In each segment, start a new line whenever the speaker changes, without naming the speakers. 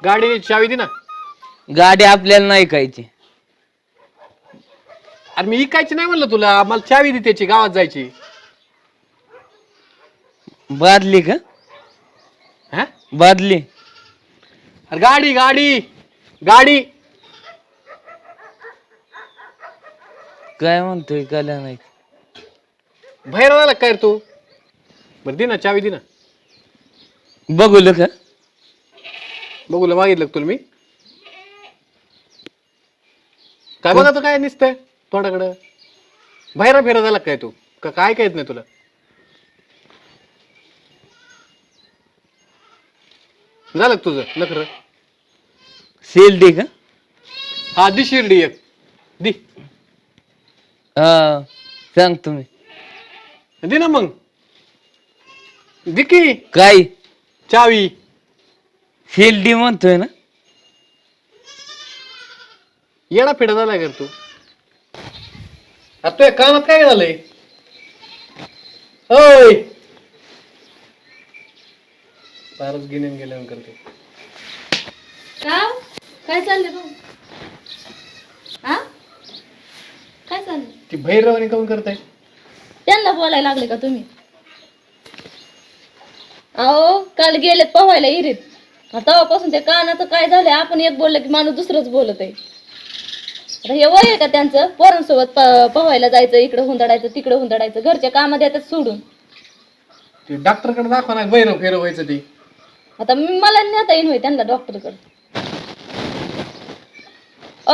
गाडी चावी दे ना.
गाडी आपल्याला नाही ऐकायची.
अरे मी इकायची नाही म्हणलं तुला, मला चावी दे त्याची, गावात जायची.
बादली का?
हा
बादली.
अरे गाडी गाडी गाडी.
काय म्हणतोय कळलं नाही.
बाहेर आला काय रे तू? बरं दे ना चावी दे ना.
बघूल का?
बघूला मागितलं का तुला मी? काय बघा काय निसतंय तोंडाकडं? बाहेर फिरत आला काय तू? का काय काय येत नाही तुला? झालं का तुझं नखर?
शिर्डी का?
हा दि शिर्डी एक दि.
हा सांग तुम्ही.
दे ना मग. दे की
काय
चावी.
शिर्डी म्हणतोय ना?
येडा फिडा झालाय का तू? आता तुझ्या कानात काय झालंय? होय फारच गिन्यान गेल्यावर करते.
काय चाललंय भाऊ? हा काय चाललंय?
ती भैरवानी काऊन करताय?
त्यांना बोलायला लागले का तुम्ही? अहो काल गेलेत पोहायला इरीत. तेव्हापासून ते कानाचं काय झालंय, आपण एक बोललं की माणूस दुसरंच बोलत आहे. आता हे वय आहे का त्यांचं? पोरांसोबत पोहायला जायचं, इकडे हुंदडायचं तिकडे हुंदडायचं, घरच्या कामात येतात सोडून.
ते डॉक्टर कडे दाखवा ना, भैरव फेरव व्हायचं ते.
आता मला नेता येईन होय त्यांना डॉक्टर कडे. ओ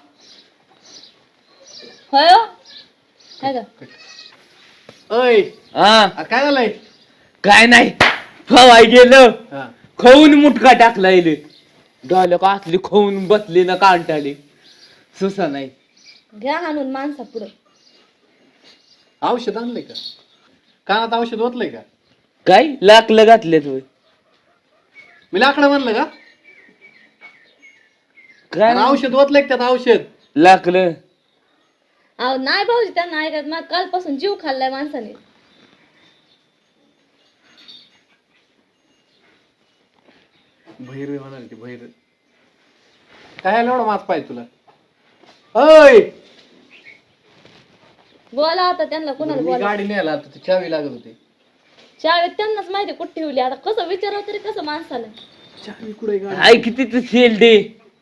होय काय का?
अय
हा
काय झालंय?
काय नाही. खवाय गेलं,
हा
खाऊन मुटका टाकला इले. डोल्या का असली खाऊन बसली ना कांटाळी. सुसा नाही.
घ्या हाणून माणसा पुढं.
औषध आणलंय का? कानात औषध ओतलंय का?
काय लाकलं घातले तुम्ही?
मी लाकडं म्हणलं का?
काय
अरे औषध ओतलंय का त्यात औषध?
लाकलं.
अहो नाही भाऊजी त्यांना ऐकत. मग कालपासून जीव खाल्लाय माणसाने.
भैर म्हणाल ती भैर. काय एवढा मास पाहिजे तुला? अय
बोला आता त्यांना कोणाला
मी
बोला.
गाडी न्यायला आता ती चावी लागत होती.
चावी त्यांनाच माहिती कुठे ठेवली. आता कसं विचारावं तरी कसं माणसाला.
चावी कुठे गाडी?
ऐक तिथं शिर्डी.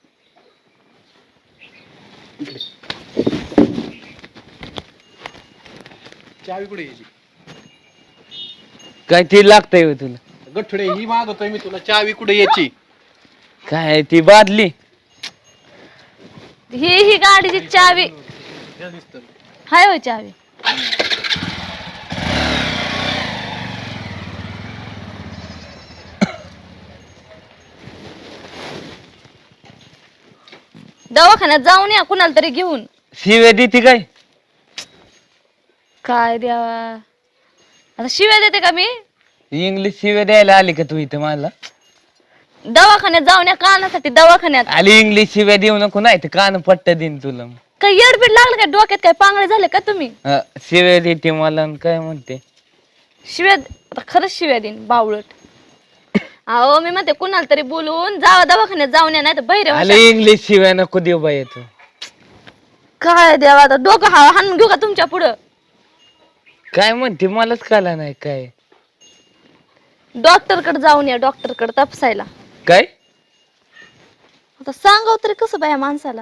चावी कुठे यायची?
काय ते लागतंय होय तुला?
गठुडे ही मागतोय मी तुला, चावी कुठे यायची?
काय ती बादली?
ही गाडीची चावी हाय होय चावी. दवाखान्यात जाऊन या कुणाला तरी घेऊन.
शिव्या देते काय?
काय द्यावा आता? शिव्या देते का मी?
इंग्लिश शिव्या द्यायला आली का तू इथं मला?
दवाखान्यात जाऊन या कानासाठी. दवाखान्यात
आली इंग्लिश शिव्या देऊ नको, नाही तर कान पट्ट देईन तुला.
काय येडबीड लागलं काय डोक्यात? काय पांगळे झाले का तुम्ही?
शिव्या देते मला आणि काय म्हणते?
शिव्या आता खरंच शिव्या देईन बावळट. अहो मी म्हणते कुणाला तरी बोलून जावा दवाखान्यात जाऊन या, नाही तर बहिरे
आले इंग्लिश शिव्या नको देऊ बाई तू.
काय द्यावा आता? डोकं हाणून घेऊ का तुमच्या पुढं?
काय म्हणते मलाच कळला नाही काय.
डॉक्टर कडे जाऊन या, डॉक्टर कडे तपासायला.
काय
आता सांगाव तरी कसं बाया माणसाला?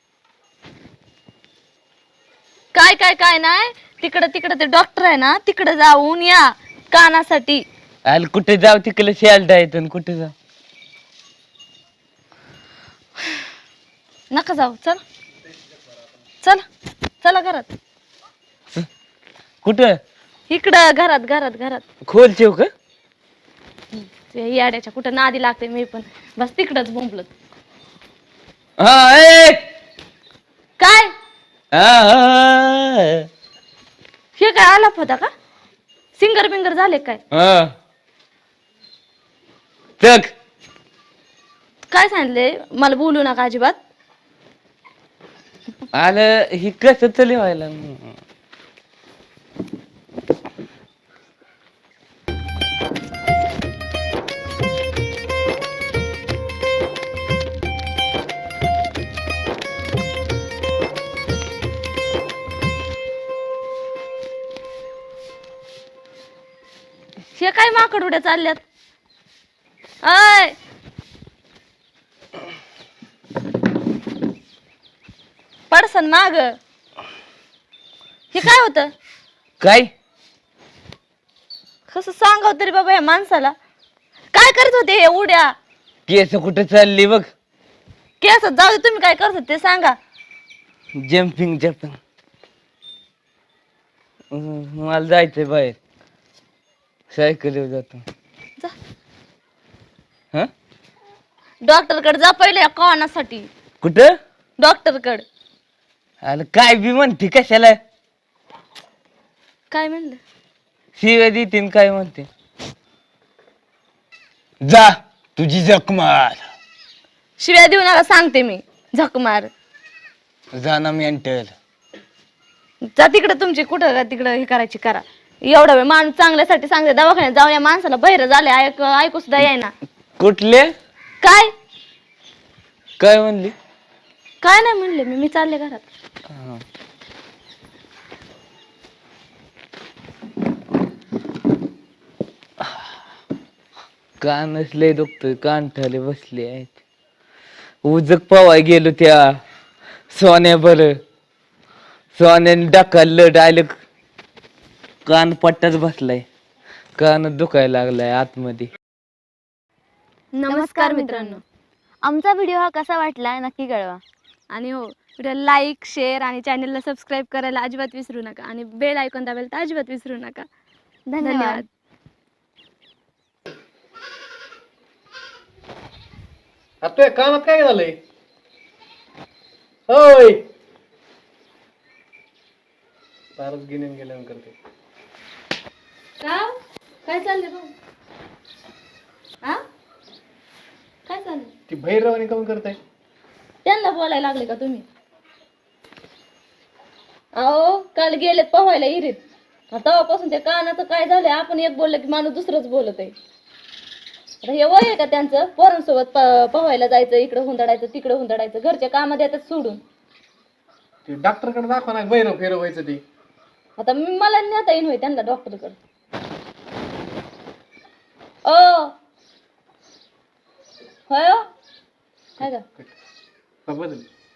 काय काय काय नाही. तिकडे ते डॉक्टर आहे ना, तिकडे जाऊन या कानासाठी.
आले कुठे जाऊ तिकडे शेल्डा येतो कुठे जाऊ?
नका जाऊ. चला चला चला घरात.
कुठं?
इकडं घरात घरात घरात.
खोल ठेव का?
ते याड्याच्या कुठं नादी लागते मी पण. बस तिकडच बोंबलत.
हा ए!
काय
हा,
हे काय आलाप होता का? सिंगर बिंगर झाले काय?
हा. चक
काय सांगितले? मला बोलू नका अजिबात.
आलं ही कसं तरी व्हायला.
हे काय माकड उड्या चालल्यात? अय पडसन माग. हे काय होतं?
काय
कसं सांगाव तरी बाबा या माणसाला. काय करत होते हे उड्या?
केस कुठे चालली बघ.
केस जाऊ दे, तुम्ही काय करत होते ते सांगा.
Jumping jumping. मला जायचंय बाहेर. सायकलीवर जातो.
जा
हा
डॉक्टर कडे जा पहिले या कानासाठी.
कुठं?
डॉक्टर कडे.
अरे काय बी म्हणते कशाला?
काय म्हणलं?
शिव्या देतीन काय म्हणते. जा तुझी जख मार.
शिव्या देऊ नका सांगते मी. झक मार.
जा ना मेंटल.
जा तिकडे, तुमची कुठं का तिकडं हे करायची करा. एवढा वेळ माणूस चांगल्यासाठी सांगते, दवाखान्यात जाऊन या माणसाला बहिर झाले ऐकू सुद्धा येईना.
कुठले?
काय
काय म्हणली?
काय नाही म्हणले मी चालले घरात.
हा. कान नसले दुखतोय, कांठाले बसले आहेत. उजक पवाय गेलो त्या सोन्या बर. सोन्याने ढकललं डायरेक्ट कान पट्टाच बसलाय. कान दुखायला लागलाय आतमध्ये.
नमस्कार मित्रांनो, आमचा व्हिडिओ हा कसा वाटला नक्की कळवा. आणि हो, व्हिडिओ लाईक, शेअर आणि चॅनलला सबस्क्राईब करायला अजिबात विसरू नका. आणि बेल आयकॉन दाबायला तर अजिबात विसरू नका. धन्यवाद.
आता तुझ्या कानात काय झालंय? होय फारच गिन्यान गेल्यानं करते.
काय चाललंय भाऊ? आ काय चाललंय?
ती भैरवानी काऊन करताय?
त्यांना बोलायला लागले का तुम्ही? अहो काल गेलेत पोहायला इरीत. तेव्हापासून ते कानाचं काय झालंय, आपण एक बोललं की माणूस दुसरंच बोलत आहे. आता हे वय आहे का त्यांचं? पोरांसोबत पोहायला जायचं, इकडं हुंदडायचं, तिकडं हुंदडायचं, घरच्या कामात येतात सोडून.
ते डॉक्टर कडे दाखवा ना, भैरव फेरव व्हायचं ते.
आता मला नेता येईन होय त्यांना डॉक्टर कडे. ओ होय हो? काय का
बदल